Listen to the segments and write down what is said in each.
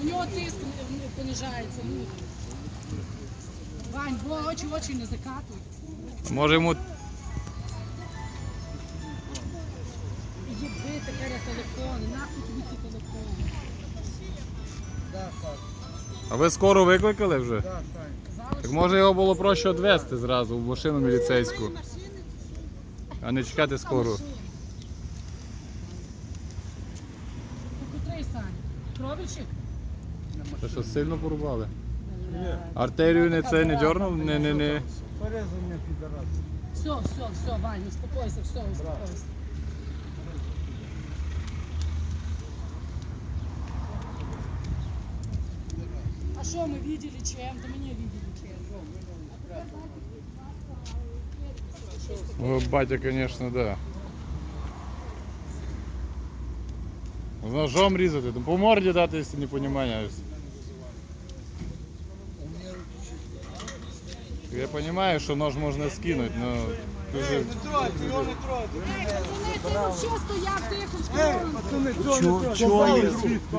У нього тиск понижається. Вань, бо очі не закатуй. Може йому... Єби тепер телефони, нахуй тобі ці телефони. А ви скоро викликали вже? Так може його було проще відвезти зразу в машину міліцейську, а не чекати скору. Котрий, Саня? Кровічик? Та що, сильно порубали? Артерію не це не дьорнув? Не. Порезання підарас. Все, Вань, успокойся, успокойся. А что мы видели чем-то? Мы не видели чем. О, батя, конечно, да. З ножом різати, ну, по морді дати, якщо не розумієш. Я розумію, що нож можна скинути, але дуже... Не тройте, його не тройте. Це вообще стояв тихо в сторону. Пацани, чого є?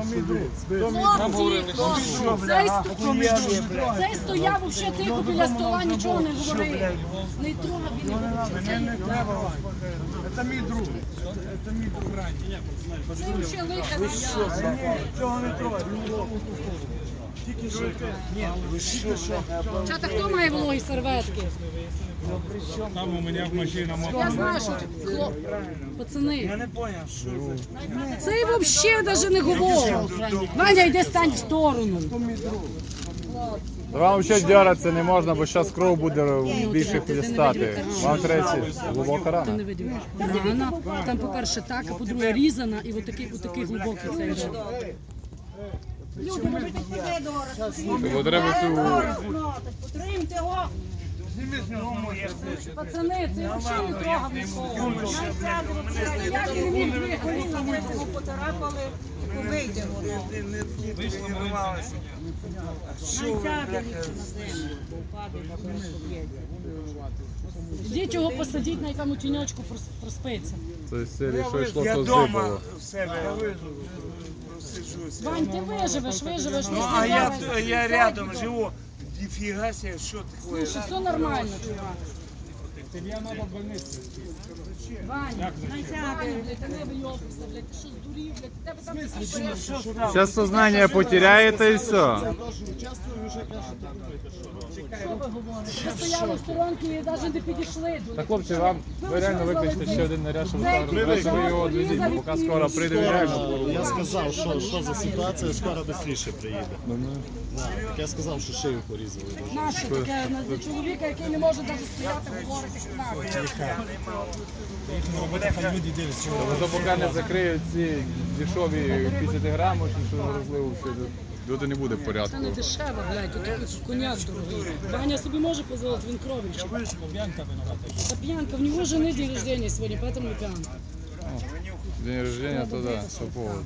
Цей стояв вообще тихо біля стола, нічого не говорив. Не трогав, він не говорив. Мене не треба. Це мій друг. Це мій друг. Це вообще лиха не я. Цього не тройте. Тільки що. Ні, ви що? Чата, хто має вологі серветки? Там у меня в машине Я знаю, що пацани. Я не поняв, що це. Цей взагалі навіть не говорив. Ваня, йди стань в сторону. Вам ще дьоратися не можна, бо зараз кров буде більше хлістати. Вам треба глибока Ти рана. не видів. Рана, там, по-перше, так, а по-друге, різана, і отакий глибокий цей ран. Люди, може підходи до Бо треба цю... Потримте його. Зніми з нього моє. Пацани, це взагалі не трогав нікого. Я не міг виходити, ми його поцарапали, побийте його. Ви ж тренувалися. Найсяде ліпше на землю, бо впаде, Йдіть його посадіть на якому тіньочку проспиться. Це серії, що йшло, Я то вдома здибало. в себе сиджуся. Вань, ти виживеш. Ну, а я рядом живу. Ніфіга себе, що таке? Слушай, все нормально, чувак. Я надо в больницу. Ваня, блядь, ти не вийобуйся, блядь, ти що здурів, блядь, тебе там Зараз сознання потеряєте і все. що ви говорите? Ви стояли в сторонці і навіть не підійшли до Так, хлопці, вам ви реально викличте ще один наряд, щоб ви його відвезіть, бо поки скоро прийде, він реально Я сказав, що за ситуація, скоро швидше приїде. Так, я сказав, що шию порізали. наше таке для чоловіка, який не може навіть стояти, говорити нахуй. Люди делают всего. Тобто поки не закриють ці дешеві 50 грамів, що розливу, доти не буде в Це порядку. не дешево, блядь, тут такий коняк дорогий. Ваня собі може дозволити, він кровельчик. Бьянка виновата. Та п'янка, в нього жени день рождения сьогодні, поэтому и пьянка. День рождения, то да, що повод.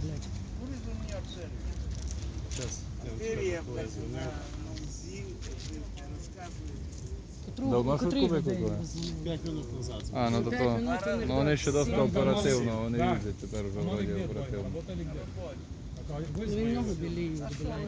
Давно швидку викликали? 5 хвилин назад. А, ну то, ну вони ще досить оперативно, вони їздять тепер вже вроді оперативно. Він ногу біліє, блядь.